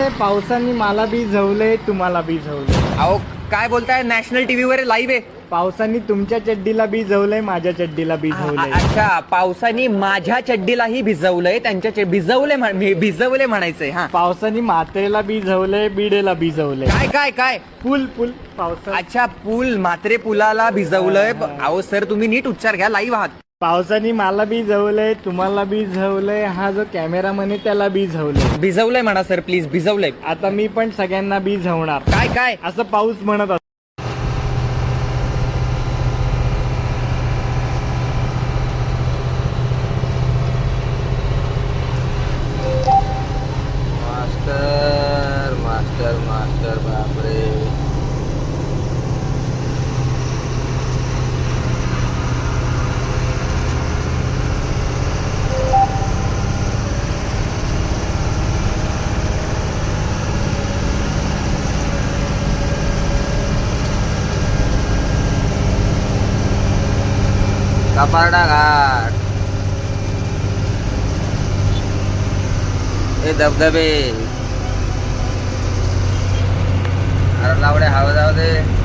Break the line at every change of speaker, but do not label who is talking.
पावसाने मला भिजवलंय, तुम्हाला भिजवलंय.
अहो काय बोलताय, नॅशनल टीव्ही वर लाईव्ह आहे.
पावसाने तुमच्या चड्डीला भिजवलंय, माझ्या चड्डीला भिजवलंय.
अच्छा, पावसाने माझ्या चड्डीलाही भिजवलंय, त्यांच्या भिजवले म्हणायचंय. हा,
पावसाने म्हात्रेला भिजवलंय, बिडेला भिजवलंय.
काय काय काय
पूल पावसा.
अच्छा, पूल, म्हात्रे पुलाला भिजवलंय. अहो सर, तुम्ही नीट उच्चार घ्या, लाईव्ह आहात.
पावसाने मला भिजवलंय, तुम्हाला भिजवलंय, हा जो कॅमेरामन आहे त्याला
भिजवलंय म्हणा सर, प्लीज. भिजवलंय.
आता मी पण सगळ्यांना भिजवणार.
काय काय
असं पाऊस म्हणत असतो.
मास्टर मास्टर मास्टर, बापरे. कपारडा घाट, हे धबधबे, अरे लावडे हवा जाऊ दे.